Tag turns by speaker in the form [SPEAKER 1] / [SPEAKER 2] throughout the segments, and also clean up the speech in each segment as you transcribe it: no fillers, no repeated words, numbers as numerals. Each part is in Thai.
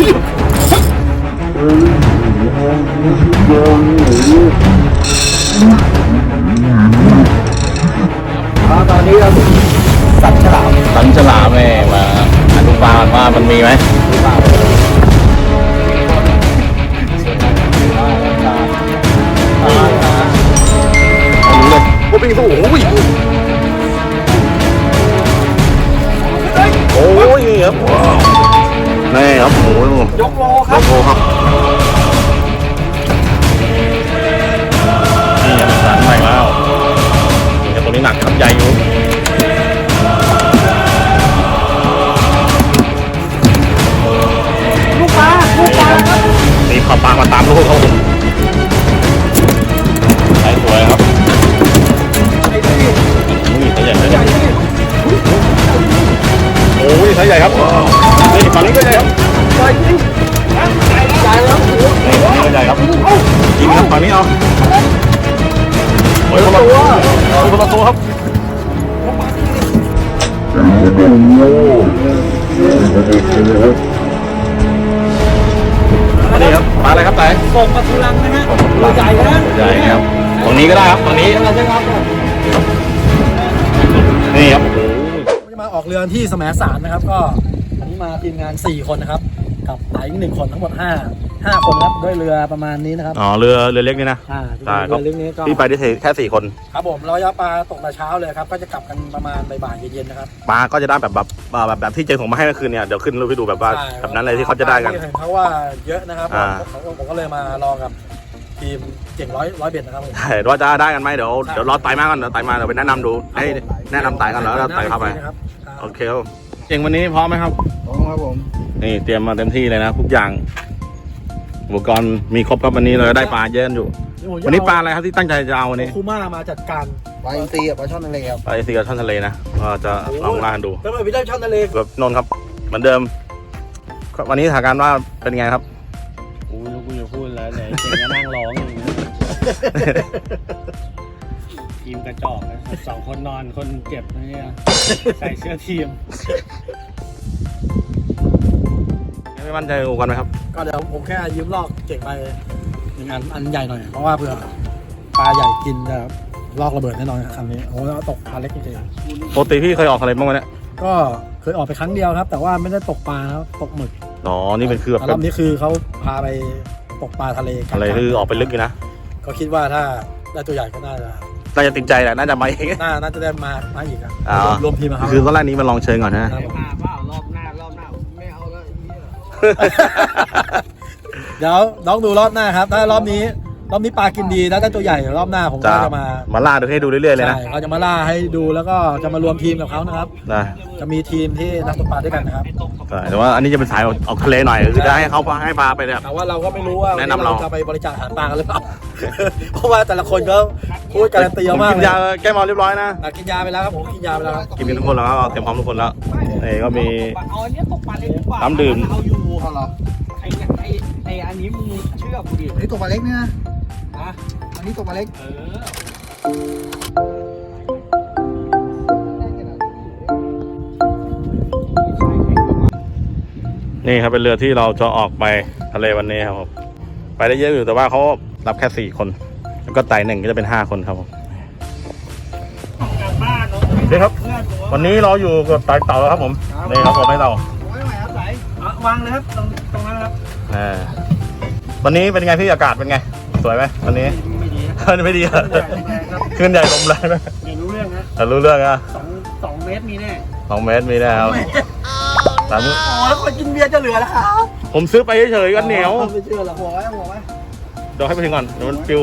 [SPEAKER 1] ตอนนี้เราสันฉลามแม่มาอนุบาลว่ามันมีไหมโอ้ยสู้โอ้ยครับนี่ครับโอ้ยยกโลครับนี่ยังสารใหม่แล้วแต่ตัวนี้หนักครับใหญ่อยู่ลูกปลามีปลามาตามลูกเขาใช้สวยครับใช้ใหญ่โอ้ยใช้ใหญ่ครับนี่ฝั่งนี้ก็ใหญ่ครับใหญ่จริงใหญ่แล้วนี่ฝั่งนี้ก็ใหญ่ครับจริงครับฝั่งนี้เอาโอ้ยคนละตัวครับนี่ครับปลาอะไรครับไต่กบปลาทุลังนะฮะตัวใหญ่นะใหญ่ครับฝั่งนี้ก็ได้ครับฝั่งนี้นี่ครับ
[SPEAKER 2] จะมาออกเรือที่แสมสารนะครับก็อันนี้มาทีมงาน4คนนะครับกับไต่อีก1คนทั้งหมด5คนครับด้วยเรือประมาณนี้นะครับ
[SPEAKER 1] อ๋อเรือเล็กนี่นะ
[SPEAKER 2] ใช่ครับเรือเล็กนี้ก็
[SPEAKER 1] ที่ไปได้แค่4คน
[SPEAKER 2] ครับผมเราจะปลาตกแต่เช้าเลยครับก็จะกลับกันประมาณบ่ายเย็นๆนะครับ
[SPEAKER 1] ปลาก็จะได้แบบที่เจอของมาให้เมื่อคืนเนี่ยเดี๋ยวขึ้นรูปให้ดูแบบว่าแบบนั้นเลยที่เขาจะได้กัน
[SPEAKER 2] เขาว่าเยอะนะครับผมก็เลยมารอกับทีมเก่งร้อยเบ็ดนะครับ
[SPEAKER 1] ใช่ว่าจะได้กันไหมเดี๋ยวรอไต่มาก่อนเดี๋ยวไต่มาเดี๋ยวไปแนะนำดูให้แนะนำไต่กันแล้วไต่เข้าไปโอเคครับเก่งวันนี้พร้อมไหมครับ
[SPEAKER 2] พร้อมครับผม
[SPEAKER 1] นี่เตรียมมาเต็มที่เลยนะทุกอย่างอุปกรณ์มีครบครับวันนี้เราได้ปลาเยอะอยู่วันนี้ปลาอะไรครับที่ตั้งใจจะเอาวันนี้
[SPEAKER 2] คูม่ามาจัดการปลาอินทรีกับปลาช่อนทะเลครับ
[SPEAKER 1] ปลาอินทรีกับช่อนทะเลนะก็จะลองล่าดู
[SPEAKER 2] แล้วไปได้ช่อนทะเล
[SPEAKER 1] แบบนนครับเหมือนเดิมวันนี้สถานการณ์ว่าเป็นไงครับ
[SPEAKER 3] กูจะพูดแล้วเนี่ยเก่งก็นั่งร้องอย่างนี้ทีมกระจอก2 คนนอนคนเจ็บเนี่ยใส่เสื้อทีม
[SPEAKER 1] ไม่มั่นใจอุปกรณ์ไหมครับ
[SPEAKER 2] ก็เดี๋ยวผมแค่ยืมลอกเก่งไปอันใหญ่หน่อยเพราะว่าเผื่อปลาใหญ่กินนะครับลอกระเบิดแน่นอนคำนี้โอ้แล้วตกปลาเล็กจริง
[SPEAKER 1] ปกติพี่เคยออกทะเลบ้างไหมเนี่ย
[SPEAKER 2] ก็เคยออกไปครั้งเดียวครับแต่ว่าไม่ได้ตกปลาครับตกหมึก
[SPEAKER 1] อ๋อนี่เป็นคือแบบ
[SPEAKER 2] รอบนี้คือเขาพาไปตกปลาทะเล
[SPEAKER 1] อะไรคือออกไปลึกอยู่นะ
[SPEAKER 2] ก็คิดว่าถ้าได้ตัวใหญ่ก็น่า
[SPEAKER 1] จะติดใจแหละน่าจะมาอีก
[SPEAKER 2] น่าจะได้มาอีกครับรวมทีมครับ
[SPEAKER 1] คือตอนแรกนี้มาลองเชิญก่อนนะ
[SPEAKER 3] มาเปล่ารอบหน้าไม่เอาแล้ว
[SPEAKER 2] เดี๋ยวน้องดูรอบหน้าครับถ้ารอบนี้ปลากินดีแล้วได้ตัวใหญ่รอบหน้าผมก็จะ
[SPEAKER 1] มาล่าดูให้ดูเรื่อยๆเลยนะ
[SPEAKER 2] เขาจะมาล่าให้ดูแล้วก็จะมารวมทีมกับเขานะครับจะมีทีมที่นักตกปลาด้วยกันนะครับ
[SPEAKER 1] แต่ว่าอันนี้จะเป็นสายออกทะเลหน่อยคือจะให้เขาให้ปลาไปเนี่ย
[SPEAKER 2] แต่ว่าเราก็ไม่รู้ว่า
[SPEAKER 1] แนะนำเรา
[SPEAKER 2] จะไปบริจาคอาหารปลากันหรือเปล่าเพราะว่าแต่ละคนก็พูดการันตีมาก
[SPEAKER 1] กินยาแก้เมาเรียบร้อยนะ
[SPEAKER 2] กินยาไปแล้วครับผมกินยาไปแล้ว
[SPEAKER 1] กินทุกคนแล้วเตรียมพร้อมทุกคนแล้วนี่ก็มีน้ำดื่ม
[SPEAKER 3] ไออันนี้มึงเชื่อกูดิ
[SPEAKER 2] อันนี้ตัวปลาเล็กเนี่ยอันนี้ตัวปลาเล็ก
[SPEAKER 1] นี่ครับเป็นเรือที่เราจะออกไปทะเลวันนี้ครับผมไปได้เยอะอยู่แต่ว่าเขารับแค่4 คนแล้วก็ไต่1ก็จะเป็น5 คนครับผมนี่ครับวันนี้เราอยู่กับไต่เต่าแล้วครับผมนี่ครับผมให้เรา
[SPEAKER 2] วางเลยครับตรงนั้นครับ
[SPEAKER 1] วันนี้เป็นไงพี่อากาศเป็นไงสวยไหมวันนี้ไม่ดีขึ้นใหญ่ลมแรงนะ
[SPEAKER 3] รู้เรื่องนะ
[SPEAKER 1] รู้เรื่องอะ
[SPEAKER 3] 2 เมตรมีแน่
[SPEAKER 1] 2 เมตรมีแน่ครับ
[SPEAKER 2] แล้วคนกินเบียร์จะเหลือแล้วครับ
[SPEAKER 1] ผมซื้อไปเฉยๆกันเหนียว
[SPEAKER 2] ไม่เชื่อหรอกหัวไว้
[SPEAKER 1] เดี๋ยวให้ไปถึงก่อนเดี๋ยวมันปิว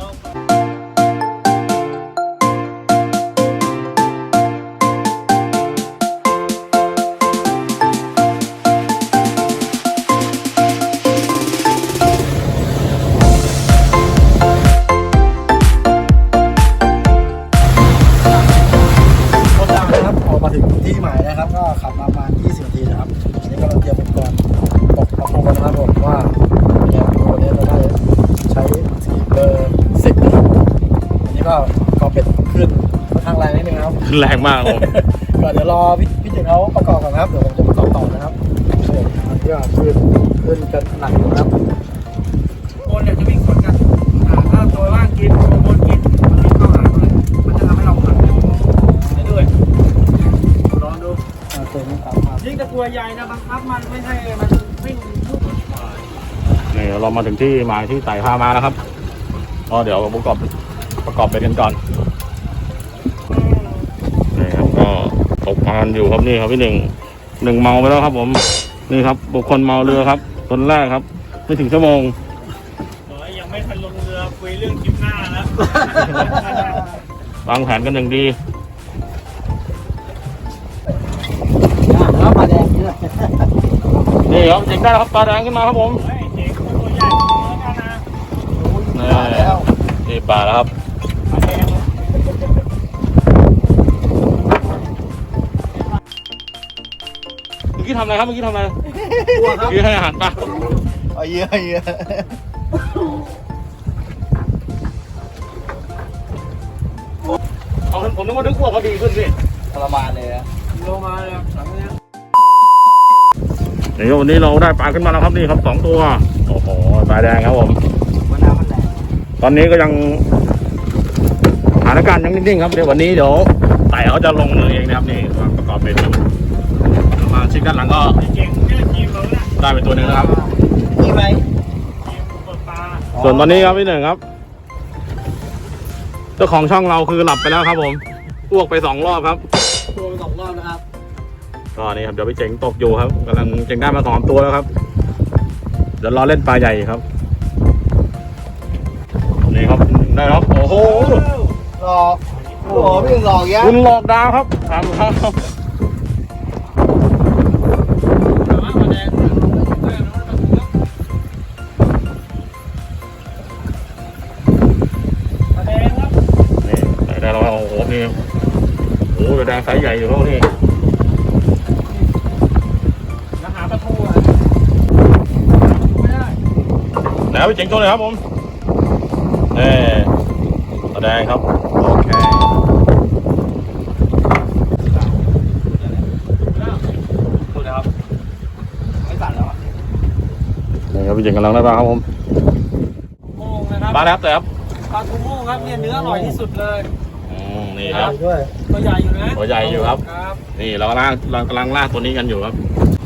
[SPEAKER 2] ที่หมายนะครับก็ขับมาประมาณ20 นาทีนะครับอันนี้ก็เราเตรียมอุปกรณ์ตกปลาโคนนะครับผมว่าเนี่ยตัวนี้เราได้ใช้เบอร์10นะครับอันนี้ก็เป็ดขึ้นค่อนข้างแรงนิดนึงครับ
[SPEAKER 1] ขึ้นแรงมากผม
[SPEAKER 2] ก็เดี๋ยวรอพี่เจ๋งเขาประกอบก่อนครับเดี๋ยวผมจะประกอบต่อนะครับอันนี้ก็ขึ้นขึ้นกันหนักอยู่ครับ
[SPEAKER 3] บนเนี่ยจะวิ่งสวนกันถ้าตัวล่างกินตัวบนกินมันวิ่งเข้าหาเลยมันจะทำให้เราหักได้ด้วยลองดู
[SPEAKER 2] เต็มครับ
[SPEAKER 3] ยิ่งตะกัวใหญ่นะบังคับมันไม่ให้มันวิ่งลูก
[SPEAKER 1] นี่เรามาถึงที่หมายที่ไต่พามาแล้วครับก็เดี๋ยวประกอบไปกันก่อนนี่ครับก็ตกปลาอยู่ครับนี่ครับพี่หนึ่งเมาไปแล้วครับผมนี่ครับบุคคลเมาเรือครับคนแรกครับไม่ถึงชั่วโมง
[SPEAKER 3] ยังไม่ทันลงเรือคุยเรื่องคลิปหน้าแล้ว
[SPEAKER 1] วางแผนกันอย่างดี
[SPEAKER 2] แล้วปลาแดงนี่เลย
[SPEAKER 1] นี่ครับเจ๋งได้แล้วครับปลาแดงขึ้นมาครับผม
[SPEAKER 3] เฮ้ยเจ๊ตัวใหญ่แล้วกันนะ
[SPEAKER 1] นี่ปลาแล้วครับ
[SPEAKER 3] ปลาแดง
[SPEAKER 1] เมื่อกี้ทำอะไรครับเมื่อกี้ทำอะไร
[SPEAKER 2] ตัวครับ
[SPEAKER 1] เมื่อกี้ให้อาหารปลา
[SPEAKER 2] เอาเยอะ
[SPEAKER 1] เอาผมนึกว่านึกว่าพอดีขึ้นสิ
[SPEAKER 2] ทรมานเลยอะ
[SPEAKER 3] ลงมาเลยหลังเนี้ย
[SPEAKER 1] นี่วันนี้เราได้ปลาขึ้นมาแล้วครับนี่ครับ2 ตัวโอ้โหปลาแดงครับผม
[SPEAKER 2] มะนาวมันแหลก
[SPEAKER 1] ตอนนี้ก็ยังสถานการณ์ยังนิ่งๆครับเดี๋ยววันนี้เดี๋ยวไต่เขาจะลงมือเองนะครับนี่วางประกอบเป็นมาชิ้นด้านหลังก็
[SPEAKER 3] เก่งเนี่ยทีมเราเนี่ย
[SPEAKER 1] ได้ไปตัวหนึ่งนะครับ
[SPEAKER 2] นี่ไหม
[SPEAKER 3] ทีมเปิดปลา
[SPEAKER 1] ส่วนตอนนี้ครับพี่หนึ่งครับเจ้าของช่องเราคือหลับไปแล้วครับผมอ้วกไป2 รอบครับ
[SPEAKER 2] ตัวไป2 รอบนะครับ
[SPEAKER 1] ก็นี่ครับเดี๋ยวพี่เจ๋งตกอยู่ครับกำลังเจ๋งได้มา2 ตัวแล้วครับเดี๋ยวรอเล่นปลาใหญ่ครับนี่ครับได้ครับโอ้โห
[SPEAKER 2] หลอกโอ้โหพี่หลอกเยอะ
[SPEAKER 1] คุณหลอกดาวครับถามครับ
[SPEAKER 3] แต่ว่าปลาแดงปลาแดงครับ
[SPEAKER 1] นี่ได้แล้วครับโอ้โหนี่โอ้โหแดงไซส์ใหญ่อยู่ครับนี่
[SPEAKER 3] แล้วหาปลาทูอ่ะไม่ได้
[SPEAKER 1] แล้วพี่เจ๋งตัวเลยครับผมปลาแดงครับโอเค
[SPEAKER 3] ดูนะครับไม่สั่นแล้วอ่ะ
[SPEAKER 1] นี่ครับพี่เจ๋งกำลังได้ปลาครับผม
[SPEAKER 3] โม่งนะครับ
[SPEAKER 1] ปลาแล้วแต่ครับ
[SPEAKER 3] ปลาทูโม่งครับเนี่ยเนื้ออร่อยที่สุดเลย
[SPEAKER 1] นี่ครับ
[SPEAKER 2] ด้วย
[SPEAKER 3] ตัวใหญ่อยู่นะ
[SPEAKER 1] ตัวใหญ่อยู่ครับ
[SPEAKER 3] ครับ
[SPEAKER 1] นี่เรากำลังล่าตัวนี้กันอยู่ครับ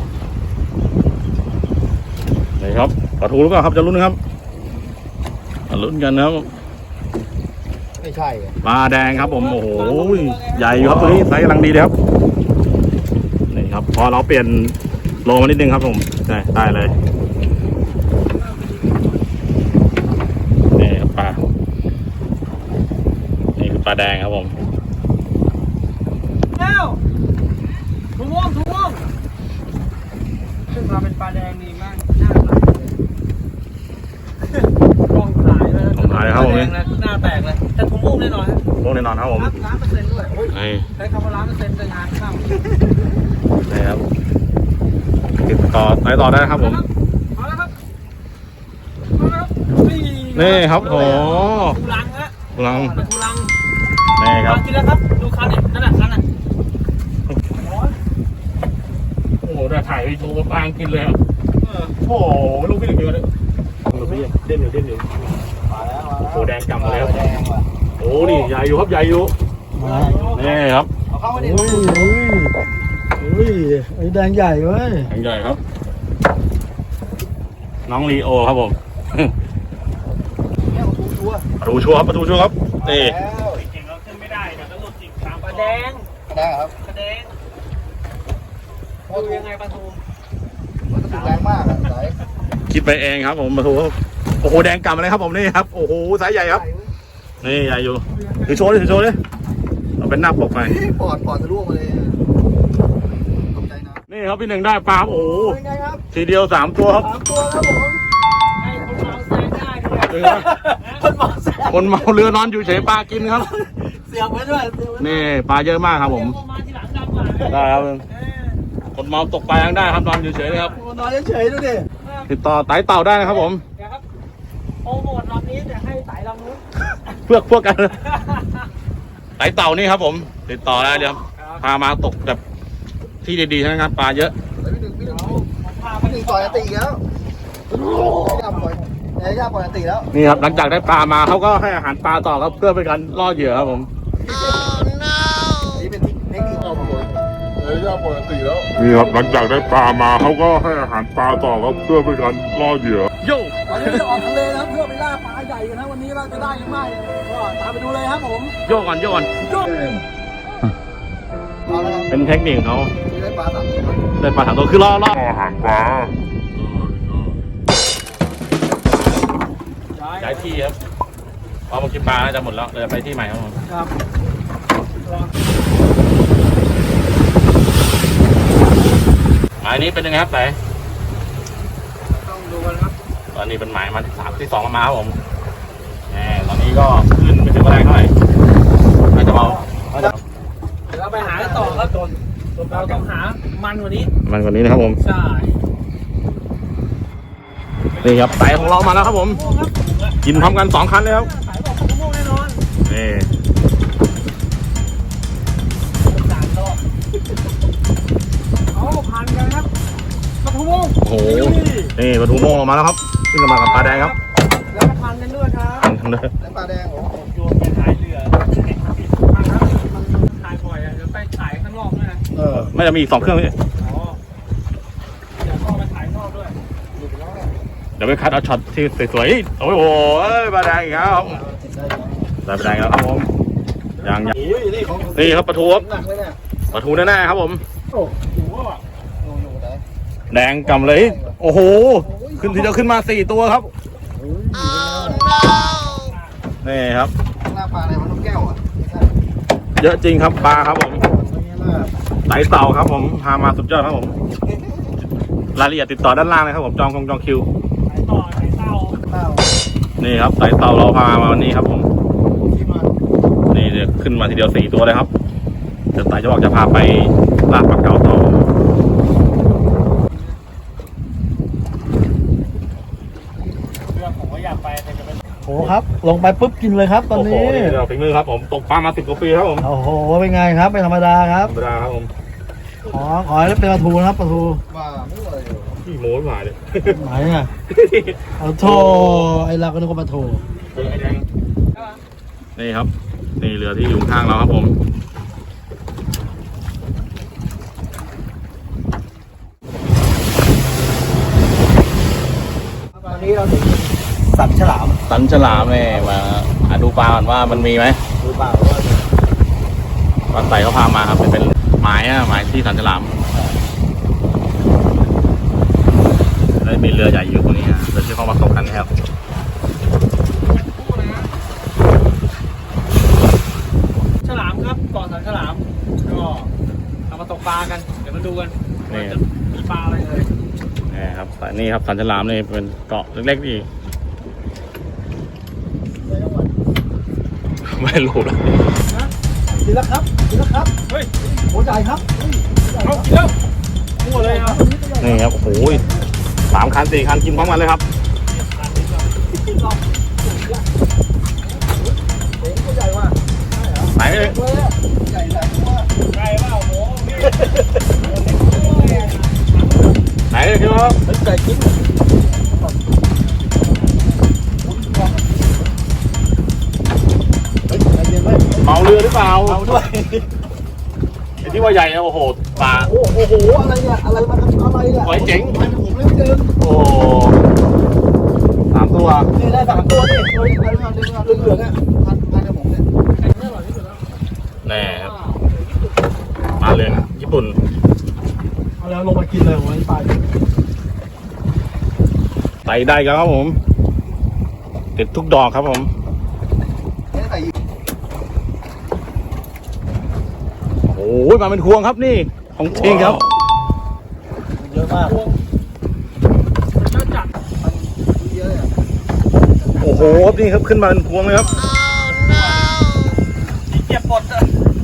[SPEAKER 1] นี่ครับปลาทูหรือเปล่าครับจะลุ้นนะครับมาลุ้นกันนะครับ
[SPEAKER 2] ไม่ใช่อะ
[SPEAKER 1] ปลาแดงครับผมโอ้โหใหญ่อยู่ครับตัวนี้ไซส์กำลังดีเลยครับนี่ครับพอเราเปลี่ยนโลมานิดนึงครับผมได้เลยนี่ครับปลานี่คือปลาแดงครับผม
[SPEAKER 3] เอ้าทูโม่งขึ้นมาเป็นปลาแดงดีมากหน้าไหลเลยกล้องถ่ายเลย
[SPEAKER 1] ผมถ่ายเลยครับผม
[SPEAKER 3] ปลาแดงนะหน้าแตกเลยแต่ทูโม่งแน่นอนฮะ
[SPEAKER 1] พวกแน่นอนครับผม
[SPEAKER 3] 100%ด้วยโอ้ย
[SPEAKER 1] นี่
[SPEAKER 3] ใช้คำว่า100%จะงานเข้า
[SPEAKER 1] นี่ครับติดต่อไหนต่อได้นะครับผม
[SPEAKER 3] เอาแล้วครับเอาแล้วครับ
[SPEAKER 1] นี่ครับโอ้
[SPEAKER 3] ทูลังฮะ
[SPEAKER 1] กำลัง
[SPEAKER 3] ปลาทูลัง
[SPEAKER 1] นี่ครับ
[SPEAKER 3] กินแล้วครับดูคันเนี่ยนั่นแหละคันน่ะ
[SPEAKER 1] โอ้โหได้ถ่ายวีดีโอปลากินเลยครับโอ้โหลูกพี่หนึ่งเดียวเลยลูกพี่เด่นอยู่
[SPEAKER 2] มาแล้ว
[SPEAKER 1] โอ้โหแดงกำมาแล้ว
[SPEAKER 2] แดงว่ะ
[SPEAKER 1] โอ้นี่ใหญ่อยู่ครับใหญ่อยู่นี่ครับ
[SPEAKER 2] เอาเข้ามาดิ
[SPEAKER 4] อุ้ยไอ้แดงใหญ่เว้ย
[SPEAKER 1] แดงใหญ่ครับ น้องลีโอครับผม
[SPEAKER 2] เนี่ยเอาตัว
[SPEAKER 1] ประตูชัวร์ครับประตูชัวร์ครับนี่
[SPEAKER 2] แล้ว
[SPEAKER 3] เก่งเราขึ้นไม่ได้เดี๋ยวต้องหลุดจิกตามปลาแดง
[SPEAKER 2] แดงครับ
[SPEAKER 3] ปลาแดง
[SPEAKER 2] โอ้
[SPEAKER 3] ดู
[SPEAKER 2] ถู
[SPEAKER 3] ยังไงปลาทู
[SPEAKER 2] มันถูกแรงมากอะสาย
[SPEAKER 1] คิดไปเองครับผมประตูครับโอ้โหแดงกำเลยครับผมนี่ครับโอ้โหไซส์ใหญ่ครับนี่ใหญ่อยู่ถือโชว์ดิเอาเป็นหน้าปกไป
[SPEAKER 2] ปอดทะลุออกมาเลยตกใจนะ
[SPEAKER 1] นี่ครับพี่หนึ่งได้ปลาโอ้โห
[SPEAKER 2] เป็นไงครับ
[SPEAKER 1] ทีเดียว3 ตัวครับ
[SPEAKER 2] 3 ตัวครับผม
[SPEAKER 3] ให้คนเมาแซงได้ด้วย
[SPEAKER 2] คนเมาแซง
[SPEAKER 1] คนเมาเรือนอนอยู่เฉยปลากินครับ
[SPEAKER 2] เสียบไว้ด้วยเสียบไว้ด้วย
[SPEAKER 1] นี่ปลาเยอะมากครับผม
[SPEAKER 3] เอามาทีหลังดำกว่า
[SPEAKER 1] ได้ครับคนเมาตกปลายังได้ครับนอนอยู่เฉยเลยครับ
[SPEAKER 2] นอนเฉยๆดูดิ
[SPEAKER 1] ติดต่อไต่เต่าได้นะครับผม
[SPEAKER 3] เดี๋ยวครับโปรโมทลำนี้เดี๋ยวให้สายลำนู้น
[SPEAKER 1] พวกกันไต่เต่านี่ครับผม ติดต่อได้เลยครับพามาตกแบบที่ดีๆทั้งนั้นปลาเยอะ
[SPEAKER 2] พี่หนึ่ง
[SPEAKER 3] ผมพาไป
[SPEAKER 2] พี่หนึ่งต่อยตีอีกแล้วย่าปล่อยย่าปกติแล้ว
[SPEAKER 1] นี่ครับหลังจากได้ปลามาเขาก็ให้อาหารปลาต่อครับเพื่อเป็นการล่อเหยื่อครับผม
[SPEAKER 2] นี่เป็นเทคนิคของผม
[SPEAKER 5] นี่ครับหลังจากได้ปลามาเขาก็ให้อาหารปลาต่อครับเพื่อเป็นการล่อเหยื่อ
[SPEAKER 1] โย่
[SPEAKER 2] วันนี้จะออกทะเลนะครับเพื่อไปล่าปลาใหญ่กันนะวันนี้เราจะได้หรือไม่ก็ตามไปดูเลยครับผม
[SPEAKER 1] โย่ก่อนโย่ก่อน
[SPEAKER 2] เอาละครับ
[SPEAKER 1] เป็นเทคนิคของเขา
[SPEAKER 2] ที่ได้ปลา3 ตัว
[SPEAKER 1] ได้ปลา3 ตัวคือล่อ
[SPEAKER 5] อาหารปลา
[SPEAKER 1] ย้ายที่ครับพอมากินปลาน่าจะหมดแล้วเราจะไปที่ใหม่ครับผม
[SPEAKER 2] ครับ
[SPEAKER 1] หมายนี้เป็นยังไงครับไหน
[SPEAKER 3] ต้องดูกันครับ
[SPEAKER 1] ตอนนี้เป็นหมายมาที่ 2มาครับผมตอนนี้ก็ขึ้นไม่ถึงแรงเท่าไหร่น่าจะเบา
[SPEAKER 3] เดี๋ยวเราไปหาต่อครับเราต้องหามันกว่านี้
[SPEAKER 1] มันกว่านี้นะครับผม
[SPEAKER 3] ใช่
[SPEAKER 1] นี่ครับไตของเรามาแล้วครับผม
[SPEAKER 3] ครับ
[SPEAKER 1] กินพร้อมกัน2 คันเลยครับ
[SPEAKER 3] สายบอกมะม่วงแน่นอน
[SPEAKER 1] นี่
[SPEAKER 3] 3 รอบเอาพันกันครับมะม่วง
[SPEAKER 1] โอ้โหนี่ปลาทูโม่งออกมาแล้วครับขึ้นมากับปลาแดงครับ
[SPEAKER 3] แล้วก็พันกันด้วยครับ
[SPEAKER 1] อันทั้งเลย
[SPEAKER 2] ได้ปลาแดงโอ้
[SPEAKER 3] โยนไปขายเรือพันครับมันขายบ่อยอ่ะเดี๋ยวไปขายข้างนอกด้วยนะ
[SPEAKER 1] ไม่จะมีอีก2 เครื่องนี่
[SPEAKER 3] อ๋อเดี๋ยวก็ไปขายนอกด้วย
[SPEAKER 1] เดี๋ยวไปคัดเอาช็อตที่สวยๆโอ้โหปลาแดงอีกแล้วครับได้ปลาแดงแล้วครับผมยัง
[SPEAKER 2] โหนี่ของ
[SPEAKER 1] นี่ครับปลาทูครับ
[SPEAKER 2] หนักเลยเนี่ย
[SPEAKER 1] ปลาทูแน่ๆครับผม
[SPEAKER 3] โอ้โหอ่ะ
[SPEAKER 2] โอ้โหไหน
[SPEAKER 1] แดงกำเลย โอ้โห ขึ้นทีเดียวขึ้นมา4 ตัวครับนี่ครับ
[SPEAKER 2] หน้าปลาอะไรมันนกแก้วอ่ะไม่ใช่
[SPEAKER 1] เยอะจริงครับปลาครับผม
[SPEAKER 2] ไม่ใช่ล่ะ
[SPEAKER 1] ไตเต่าครับผมพามาสุดยอดครับผมรายละเอียดติดต่อด้านล่างเลยครับผมจองคิว
[SPEAKER 3] ขายต่อขายเต้า
[SPEAKER 2] ข้าว
[SPEAKER 1] นี่ครับไตเต่าเราพามาวันนี้ครับผม
[SPEAKER 2] ที่มัน
[SPEAKER 1] นี่เดี๋ยวขึ้นมาทีเดียว4 ตัวเลยครับเดี๋ยวไตจะบอกจะพาไปลาดปลาเก๋าต่อ
[SPEAKER 3] เรื่องผมก็อยากไปแต่จะเป็น
[SPEAKER 4] โอ้ครับ ลงไปปุ๊บกินเลยครับ ตอน
[SPEAKER 1] โอ้โห
[SPEAKER 4] นี้
[SPEAKER 1] นี่เราฝีมือครับผมตกปลามา10 กว่าปีครับผม
[SPEAKER 4] โอ้โหเป็นไงครับไม่ธรรมดาครับ
[SPEAKER 1] ธรรมดาครับผม
[SPEAKER 4] ขอให้เป็นปลาทูนะครับปลาทู
[SPEAKER 2] ว่าไม่ไหว
[SPEAKER 1] ขี้โม้ไม่มาเลย
[SPEAKER 4] ไหนอ่ะเอาโทไอเราก็นึกว่าปลาทู
[SPEAKER 1] นี่ครับนี่เรือที่อยู่ข้างเราครับผม
[SPEAKER 2] วันนี้เราถึงสัตว์ฉลาม
[SPEAKER 1] สันฉลามเนี่ยมาดูปลาก่อนว่ามันมีไหม
[SPEAKER 2] หรือเปล่าว่า
[SPEAKER 1] ปลาไต่เขาพามาครับเป็นหมายหมายที่สันฉลามแล้วมีเรือใหญ่อยู่ตรงนี้เรือที่เขามาตกกันนะครับ
[SPEAKER 3] ฉลามครับเกาะสันฉลามก็เอามาตกปลากันเดี๋ยวมาดูกันว่าจะมีปลาอะไรเลย
[SPEAKER 1] นี่ครับนี่ครับสันฉลามนี่เป็นเกาะเล็กๆนี่ไม่รู้หรอก
[SPEAKER 2] กินแล้วครับกินแล้วครับ
[SPEAKER 3] เฮ้ย
[SPEAKER 2] โหใหญ่ครับ
[SPEAKER 3] เอากินแล้วมั่วเลยครับ
[SPEAKER 1] นี่ครับโอ้โห3 คัน 4 คันกินพร้อมกันเลยครับ
[SPEAKER 2] ตัวใหญ่ว่ะ
[SPEAKER 1] ไหนเลย
[SPEAKER 2] ตัวใหญ่หลายตัว
[SPEAKER 3] ไก่เปล่าโหพี่
[SPEAKER 1] ไหนเลยพี่น้อง
[SPEAKER 2] เป็นไก่กิน เฮ้ยใจเย็นไว้
[SPEAKER 1] เมาเรือหรือเปล่า
[SPEAKER 2] เอาด้วย
[SPEAKER 1] ไอ้ที่ว่าใหญ่นะโอ้โหปลา
[SPEAKER 2] โอ้โห อะไรเนี่ย อะไรมาอะไรเนี่ย
[SPEAKER 1] โอ้ยเจ๋ง
[SPEAKER 2] มันผมเลยไม่เดิน
[SPEAKER 1] โอ้3 ตัว
[SPEAKER 2] นี่ได้3 ตัวนี่ตัวนี้อะไรมาเหลืองๆอ่ะพันกับผมเนี่ย
[SPEAKER 1] แน่ครับปลาเรืองญี่ปุ่น
[SPEAKER 4] เอาแล้วลงมากินเลยวันนี้ไป
[SPEAKER 1] ไต่ได้ครับผมติดทุกดอกครับผม
[SPEAKER 2] ไม่ได้ใส่
[SPEAKER 1] โอ้ยมาเป็นพวงครับนี่ของจริงครับ
[SPEAKER 2] เยอะมาก
[SPEAKER 3] มันก็จัด
[SPEAKER 2] เยอะเลย
[SPEAKER 1] โอ้โหนี่ครับขึ้นมาเป็นพวงเลยครับ
[SPEAKER 3] ที่เก็บปลดอะ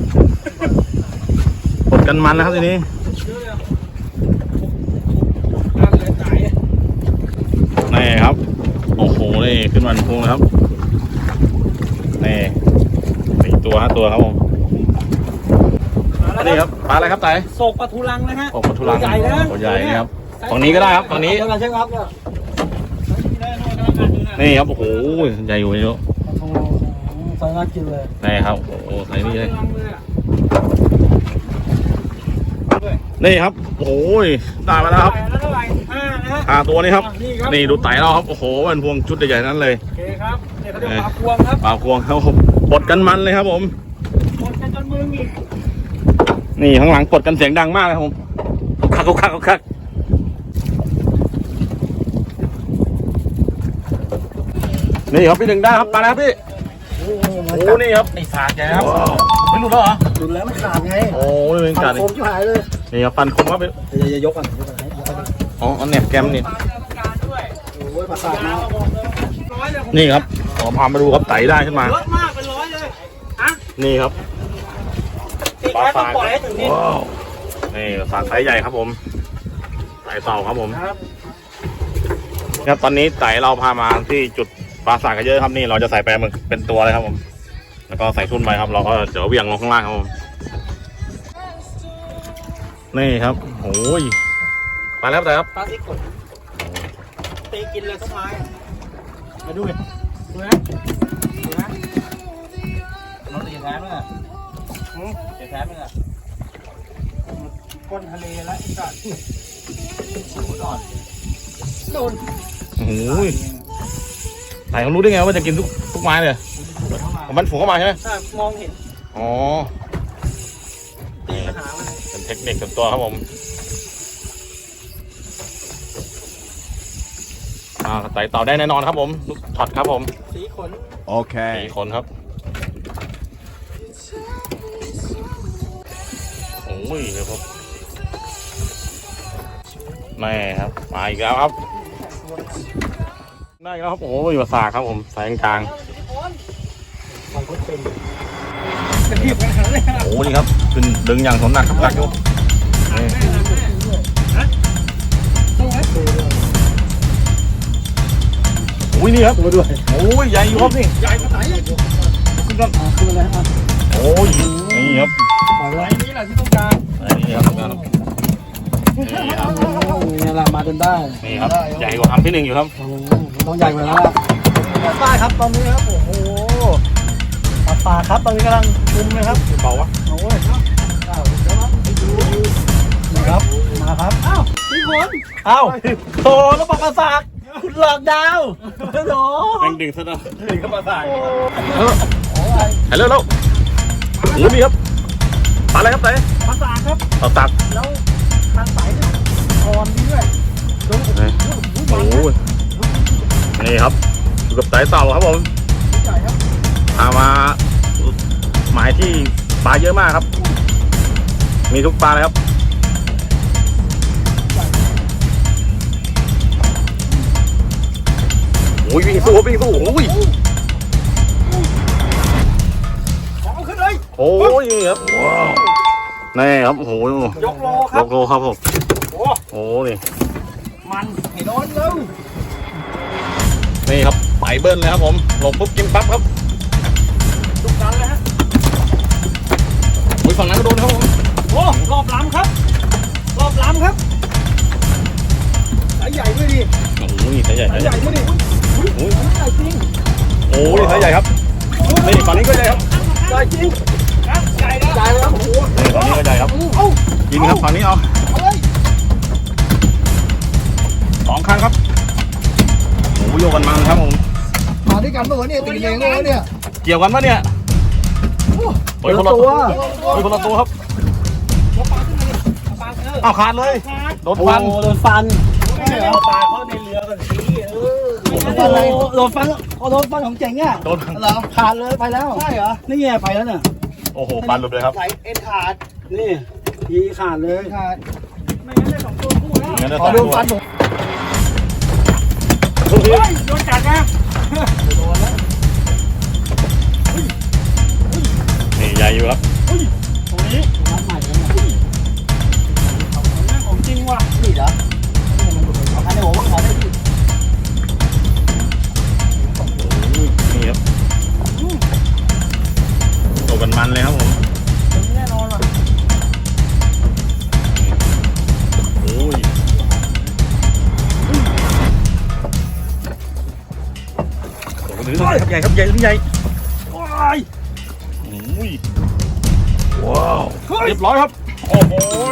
[SPEAKER 1] กดกันมันนะครับทีนี้
[SPEAKER 3] เยอะเลยนั่นเลยสาย
[SPEAKER 1] นี่ครับโอ้โหนี่ขึ้นมาเป็นพวงเลยครับนี่4 ตัว 5 ตัวครับผม นี่ครับปลาอะไรครับไต่
[SPEAKER 3] โศกปลาทูลังนะฮะ
[SPEAKER 1] โอ้ปลาทูรัง
[SPEAKER 3] ตัวใหญ่นะ
[SPEAKER 1] ตัวใหญ่นี่ครับฝั่งนี้ก็ได้ครับฝั่งนี้
[SPEAKER 2] เดี๋ยวเราเช็คอัพเนี่ย
[SPEAKER 1] นี่ครับโอ้โหใหญ่อยู่เยอะ
[SPEAKER 4] โอ้โหใส่น่ากินเลย
[SPEAKER 1] นี่ครับโอ้โหใส่นี่เลย
[SPEAKER 3] ลองเลยอ่ะ
[SPEAKER 1] นี่ครับโอ้โหได้มาแล้วครับ
[SPEAKER 3] แล้วเท่าไหร่5นะฮะ
[SPEAKER 1] ตัวนี้ครับ
[SPEAKER 3] นี่ครับ
[SPEAKER 1] นี่ดูไต่เราครับโอ้โหเป็นพวงชุดใหญ่ๆนั้นเลย
[SPEAKER 3] โอเคครับเนี่ยเขาเรียกปลาพวงครับ
[SPEAKER 1] ปลาพวงครับผมปลดกันมันเลยครับผม
[SPEAKER 3] หมดกันจนมือหงิก
[SPEAKER 1] นี่ข้างหลังปลดกันเสียงดังมากเลยครับผมคักนี่ครับพี่หนึ่งได้ครับมาแล้วพี่
[SPEAKER 2] โอ้
[SPEAKER 1] โอ้นี่ครับไอ้สากใหญ่ครับไม่หลุดแล้วเหรอ
[SPEAKER 2] ดูแล้วมันขาดไง
[SPEAKER 1] โอ้ยเป็น
[SPEAKER 2] ขา
[SPEAKER 1] การ
[SPEAKER 2] ดโคมชิบหายเลย
[SPEAKER 1] นี่ครับฟันคมครับเป็น
[SPEAKER 2] อย่ายกกันยกกันให้ยกกัน
[SPEAKER 1] อ๋อเอาแหนบแกมนี่
[SPEAKER 3] ปลากรรมการด้วย
[SPEAKER 2] โอ้ยประสาท
[SPEAKER 3] ยา
[SPEAKER 2] นะ
[SPEAKER 3] วบอกเลยร้อยเลยผม
[SPEAKER 1] นี่ครับขอพามาดูครับไต่ได้ขึ้นมา
[SPEAKER 3] เยอะมากเป็นร้อยเลยฮะ
[SPEAKER 1] นี่ครับ
[SPEAKER 3] ตีแค่ต้องปล่อยให้ถึงนี่
[SPEAKER 1] ว้าวนี่สากไซส์ใหญ่ครับผมไต่เต่าครับผม
[SPEAKER 3] ครับ
[SPEAKER 1] ครับตอนนี้ไต่เราพามาที่จุดปลาสากกันเยอะครับนี่เราจะใส่แปลหมึกเป็นตัวเลยครับผมแล้วก็ใส่ทุ่นไปครับเราก็เดี๋ยวเบี่ยงลงข้างล่างครับผมนี่ครับโอ้ยไปแล้วแต่ครับ
[SPEAKER 3] ปลาที่กดตีกินเลยต้นไม้มาดูดิดูนะดูนะเราตีแท้ไหมอ่ะตีแท้ไหมอ่ะก้นทะเลแล้วอีกอ่ะโดน
[SPEAKER 1] โอ้ยไต่เขารู้ได้ไงว่าจะกินทุกไม้เลยมันฝูงเข้ามาใช่ไหม
[SPEAKER 3] ถ้ามองเห็น
[SPEAKER 1] อ๋อ
[SPEAKER 3] ตีปัญหามัน
[SPEAKER 1] เป็นเทคนิคส่วนตัวครับผมไต่เต่าได้แน่นอนครับผมทุกช็อตครับผม
[SPEAKER 3] สีขน
[SPEAKER 1] 4 คนครับโอ้ยครับแม่ครับมาอีกแล้วครับได้อีกแล้วครับโอ้ยมาสากครับผมสายกลาง
[SPEAKER 3] จะรีบขนาดนี้
[SPEAKER 1] โอ้นี่ครับขึ้นดึงอย่างสนหนักครับหนักอยู่นี่โอ้ยนี่ครับ
[SPEAKER 2] ตัวด้วย
[SPEAKER 1] โอ้ยใหญ่อยู่ครับนี่
[SPEAKER 3] ใหญ่ขนาดไหน
[SPEAKER 1] ขึ้นก่อน
[SPEAKER 2] ขึ้นมาเลยอ่ะ
[SPEAKER 1] โอ้ยนี่ครับ
[SPEAKER 2] ปล่อยไว้
[SPEAKER 3] ไอ้นี้แหละที่ต้องการ
[SPEAKER 1] นี่ครับนี่ครับ
[SPEAKER 2] นี่แหละมาจนได้
[SPEAKER 1] นี่ครับใหญ่กว่าคำที่หนึ่งอยู่ครับ
[SPEAKER 2] โอ้โหต้องใหญ่กว่าแล้วล่ะได้ครับตอนนี้ครับโอ้โหปลาครับตอนนี้กำลังชุมเลยครับ
[SPEAKER 1] เบาวะ
[SPEAKER 2] โอ้ยนี่ครับมาครับอ้าว
[SPEAKER 3] สีขน
[SPEAKER 2] อ้าวโถแล้วปลากระสากคุณหลอกดาวโถ
[SPEAKER 1] แม่งดึงซะนะดึงเข้ามาใส่ฮัลโหลแล้วโอ้นี่ครับปลาอะไรครับเต้
[SPEAKER 3] ภาษาครับ
[SPEAKER 1] ต่อตัก
[SPEAKER 3] แล้วทางสายเนี่ยอ่อนดีด้วย
[SPEAKER 1] โอ้ยนี่ครับอยู่กับไต่เต่าครับผม
[SPEAKER 3] ใหญ่ครับ
[SPEAKER 1] พามาหมายที่ปลาเยอะมากครับ มีทุกปลาเลยครับโอ้ยวิ่งสู้วิ่งสู้โอ้ย
[SPEAKER 3] ของขึ้นเลย
[SPEAKER 1] โอ้ยนี่ครับว้าวนี่ครับโอ้โห
[SPEAKER 3] ยกโลค
[SPEAKER 1] ย
[SPEAKER 3] รับ
[SPEAKER 1] กโลครับผม
[SPEAKER 3] โอ้
[SPEAKER 1] โอ้นี่
[SPEAKER 3] มันให้โดนเร็ว
[SPEAKER 1] นี่ครับไปเบิ้ลเลยครับผมลงปุ๊บกินปั๊บครับ
[SPEAKER 3] ทุกการเลยฮะ
[SPEAKER 1] โอ้ยฝั่งนั้นก็โดนครับผม
[SPEAKER 3] โอ้รอบล้ำครับ รอบล้ำครับสายใหญ่ด้วยดิ
[SPEAKER 1] โอ้ยสายใหญ่
[SPEAKER 3] สายใหญ่ด้วยดิ
[SPEAKER 1] โอ้ย
[SPEAKER 3] ใหญ่จริง
[SPEAKER 1] โอ้ยสายใหญ่ครับนี่ฝั่งนี้ก็ใหญ่ครับ
[SPEAKER 3] ใหญ่จริงครับใหญ่แล้ว
[SPEAKER 2] ใหญ่แล้วโอ้โห
[SPEAKER 1] นี่ฝั่งนี้ก็ใหญ่ครับ
[SPEAKER 3] เอ้า
[SPEAKER 1] กินครับฝั่งนี้เอา
[SPEAKER 3] เอาเลย
[SPEAKER 1] 2 ครั้งครับโอ้ยโยกกันมาครับผม
[SPEAKER 2] มาด้วยกันเมื่อวานเนี่ยตีเองเลยวะเนี่ย
[SPEAKER 1] เกี่ยวกันปะเนี่ยโอ้ยคนละตัวโอ้ยคนละตัวครับ
[SPEAKER 3] ยกปลาขึ้นมาดิเอาปลาเออ
[SPEAKER 1] อ้าวขาดเลย
[SPEAKER 3] ขาด
[SPEAKER 1] โดนฟัน
[SPEAKER 2] โดนฟัน
[SPEAKER 3] เอาปลาเข้าในเรือกันสิเออ
[SPEAKER 2] โดนฟันโดนฟันของเจ๋งอ่ะ
[SPEAKER 1] โดน
[SPEAKER 2] เหรอขาดเลยไปแล้วใช่เหรอนี่ไงไปแล้วเนี่ย
[SPEAKER 1] โอ้โหฟันหลุดเลยครับ
[SPEAKER 3] ไหลเอ็นขาด
[SPEAKER 2] นี่ทีขาดเลยขาด
[SPEAKER 3] ไม่งั้นได้2 ตัวคู่แล้ว
[SPEAKER 1] งั้นจะ
[SPEAKER 2] ขอ
[SPEAKER 1] ตัด
[SPEAKER 2] ดู
[SPEAKER 1] ตัว
[SPEAKER 2] ฟันผม
[SPEAKER 1] ทุกที
[SPEAKER 3] เฮ้ยโดนกัดนะ
[SPEAKER 1] นี่ใหญ่อยู่ครับ
[SPEAKER 3] ตรงนี้
[SPEAKER 2] ฟันใหม่กันเนี่ย
[SPEAKER 3] ของจริงว่ะ
[SPEAKER 2] นี่เหรอเอาคันในหัวว่าขอได้ที่
[SPEAKER 1] นี่ครับโตกันมันเลยครับผม
[SPEAKER 3] แน่นอนว่ะ
[SPEAKER 1] โอ้ยหรือครับใหญ่ครับใหญ่หรือใหญ่ว้ายโอ้ยว้าวเรียบร้อยครับโอ้โห
[SPEAKER 3] โอ้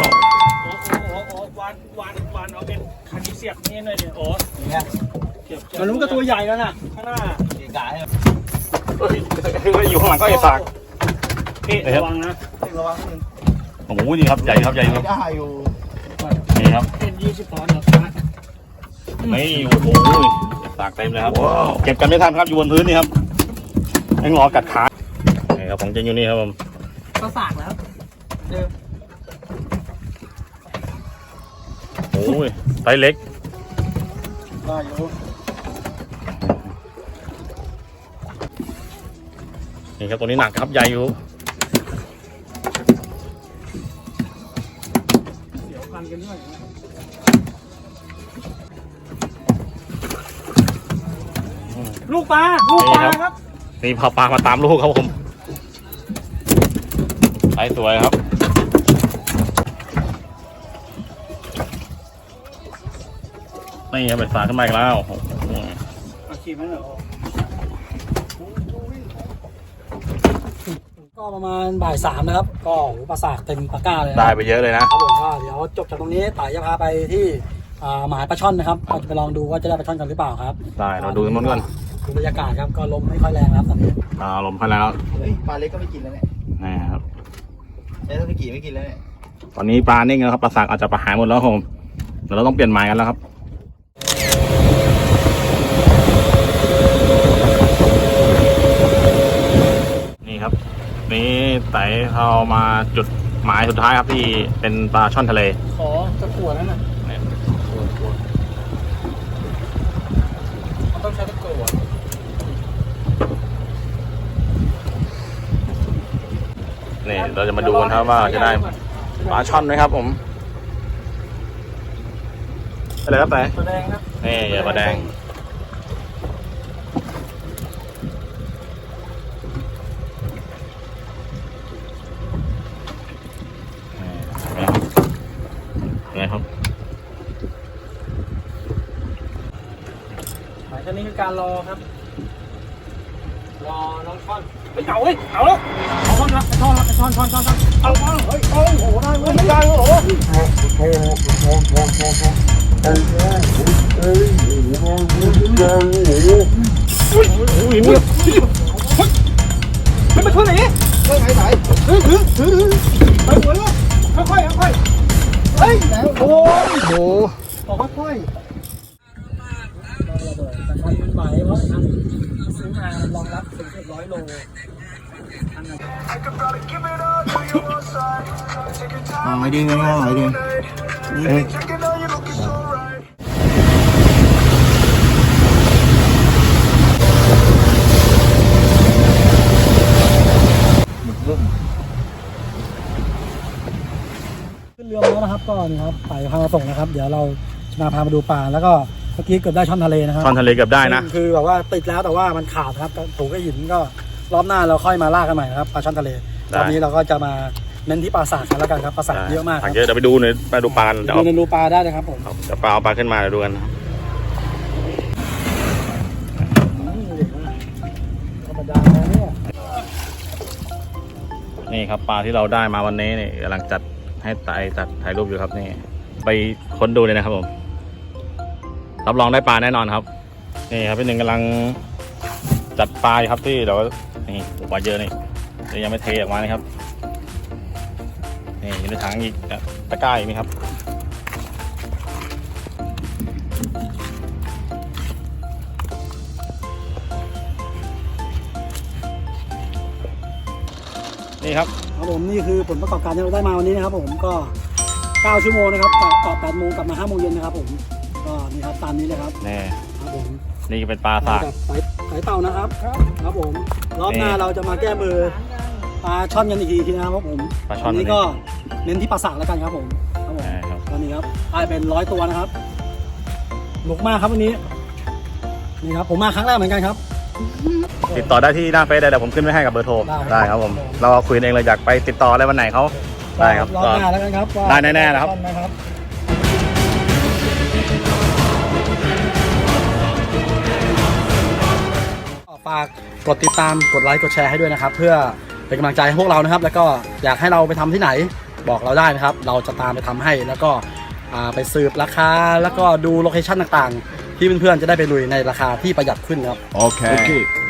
[SPEAKER 3] วันเอาเป็นคันนี้เสียบนี่หน่อยเดี๋ยวโอ้เนี่ยมันรู้ก็ตัวใหญ่แล้วน่ะข้างหน้าเกะกะ
[SPEAKER 1] เฮ้ยอยู่ข้างหลังก็ไอ้สาก
[SPEAKER 3] พี่ระวังนะระวังนึง
[SPEAKER 1] โอ้โหนี่ครับใหญ่ครับใหญ่ครับ
[SPEAKER 2] ได้อยู่
[SPEAKER 1] นี่ครับ
[SPEAKER 3] เป็น20 ปอนด์เหรอ
[SPEAKER 1] นี่โอ้โหสากเต็มเลยครับเก็บกันไม่ทันครับอยู่บนพื้นนี่ครับยังรอกัดขานี่ครับของจริงอยู่นี่ครับผม
[SPEAKER 3] ก็สากแล้วเดิม
[SPEAKER 1] โอ้ยไซส์เล็ก
[SPEAKER 2] ได้อยู่
[SPEAKER 1] นี่ครับตัวนี้หนักครับใหญ่อยู่
[SPEAKER 3] เดี๋ยวกันกันด้วยลูกปลาครับ
[SPEAKER 1] นี่พาปลามาตามลูกครับผมไซส์สวยครับนี่ครับเป็นสากขึ้นมาอีกแล้วโอ้โห
[SPEAKER 3] อาชีพนั้นเหรอ
[SPEAKER 2] ก็ประมาณบ่าย3นะครับ ก็โอ้โหปลาสากเต็มตะกร้าเลยนะ
[SPEAKER 1] ได้ไปเยอะเลยนะครับ
[SPEAKER 2] ผมก็เดี๋ยวจบจากตรงนี้ต่ายจะพาไปที่หมายปลาช่อนนะครับก็จะไปลองดูว่าจะได้ปลาช่อนกันหรือเปล่าครับ
[SPEAKER 1] ได้เราดูมันก่อน
[SPEAKER 2] ดูบรรยากาศครับก็ลมไม่ค่อยแรงครับตอนนี้
[SPEAKER 1] ลมพัดแล้ว
[SPEAKER 4] เฮ้ยปลาเล็กก็ไม่กินแล้วเนี่ย
[SPEAKER 1] นี่ครับ
[SPEAKER 4] แล้วถ้าไม่กินแล้วเนี่ย
[SPEAKER 1] ตอนนี้ปลานิ่งแล้วครับปลาสากอาจจะประหารหมดแล้วครับผมเดี๋ยวเราต้องเปลี่ยนหมายกันแล้วครับนี่ครับนี่ไต่เรามาจุดหมายสุดท้ายครับที่เป็นปลาช่อนทะเล
[SPEAKER 3] ขอตะกั่วนั่นน่ะมันต้องใช้ตะกั่ว
[SPEAKER 1] นี่เราจะมาดูกันครับว่าจะได้ปลาช่อนไหมครับผมอะไรครับแต่
[SPEAKER 3] ตัวแดงครับ
[SPEAKER 1] นี่อย่าปลาแดงนี่ครับ
[SPEAKER 3] หมายถึงนี่คือการรอครับรอน้องช่อนไปเอาเว้ยเอาแล้วเอาช่อนละช่อนเอามาเฮ้ยโอ้โหได้เว้ยได้โอ้โห
[SPEAKER 1] อุ้ยนี่
[SPEAKER 3] ไม่ไปช่วยไหนนี่เฮ้ยไหนถือไปหัวลูกค่อยเฮ้ยโอ้ย
[SPEAKER 2] โอ้
[SPEAKER 3] บอกค่อย
[SPEAKER 2] มันไหวเพราะนะ
[SPEAKER 3] ซื้อมารองรับถึง100 โล
[SPEAKER 4] ไม่ดีไม่ดี
[SPEAKER 2] ขึ้นเรือมาแล้วนะครับก็นี่ครับไปพามาส่งนะครับ เดี๋ยวเราจะมาพามาดูปลาแล้วก็เมื่อกี้เกือบได้ช่อนทะเลนะครับ
[SPEAKER 1] ช่อนทะเลเกือบได้นะ
[SPEAKER 2] คือแบบว่าติดแล้วแต่ว่ามันขาดครับถูกกับหินก็รอบหน้าเราค่อยมาล่ากันใหม่นะครับปลาช่อนทะเล
[SPEAKER 1] ได้
[SPEAKER 2] รอบนี้เราก็จะมาเน้นที่ปลาสากกันแล้วกันครับปลาสากเยอะมากค
[SPEAKER 1] ผั
[SPEAKER 2] รับ
[SPEAKER 1] กเยอะเดี๋ยวไปดูหน่อยไปดูปลากันเดี๋ยว
[SPEAKER 2] ดู
[SPEAKER 1] เอา
[SPEAKER 2] ในรูปลาได้เลยครับผม
[SPEAKER 1] เดี๋ยวปลาเอาปลาขึ้นมาเดี๋ยวดูกันนะครับ
[SPEAKER 2] ธรรมดาแล้วเนี่ย
[SPEAKER 1] นี่ครับปลาที่เราได้มาวันนี้นี่กำลังจัดให้ถ่ายรูปอยู่ครับนี่ไปค้นดูเลยนะครับผมรับรองได้ปลาแน่นอนครับนี่ครับพี่หนึ่งกำลังจัดปลาอยู่ครับที่เรานี่ปลาเยอะนี่เดี๋ยวยังไม่เทออกมานะครับนี่อยู่ในถังอีกตะกร้าอีกนี่ครับนี่ครับ
[SPEAKER 2] ครับผมนี่คือผลประกอบการที่เราได้มาวันนี้นะครับผมก็9 ชั่วโมงนะครับต่อ8 โมงกลับมา5 โมงเย็นนะครับผมก็นี่ครับตามนี้เลยครับ
[SPEAKER 1] นี่
[SPEAKER 2] ครับผม
[SPEAKER 1] นี่เป็นปลาสาก
[SPEAKER 2] กับสายเต่านะครับครับผมรอบหน้าเราจะมาแก้มือปลาช่อนกันอีกทีนะครับผม
[SPEAKER 1] ปลาช่อน
[SPEAKER 2] วันนี้ก็เน้นที่ปลาสากแล้วกันครับผมครับผม
[SPEAKER 1] ครับ
[SPEAKER 2] ตอนนี้ครับได้เป็น100 ตัวนะครับหนุกมากครับวันนี้นี่ครับผมมาครั้งแรกเหมือนกันครับ
[SPEAKER 1] ติดต่อได้ที่หน้าเฟซได้เดี๋ยวผมขึ้นไว้ให้กับเบอร์โทร
[SPEAKER 2] ได้
[SPEAKER 1] ได้ครับผมเราคุยกันเองเลยอยากไปติดต่ออะไรวันไหนเขาได้ครับ
[SPEAKER 2] รอบหน้าแล้วกันครับว่า
[SPEAKER 1] ได้แน่ๆนะครับ
[SPEAKER 2] นะครับฝากกดติดตามกดไลค์กดแชร์ให้ด้วยนะครับเพื่อเป็นกำลังใจให้พวกเรานะครับแล้วก็อยากให้เราไปทำที่ไหนบอกเราได้นะครับเราจะตามไปทำให้แล้วก็ไปสืบราคาแล้วก็ดูโลเคชั่นต่างๆที่เพื่อนๆจะได้ไปลุยในราคาที่ประหยัดขึ้นครับ
[SPEAKER 6] Okay.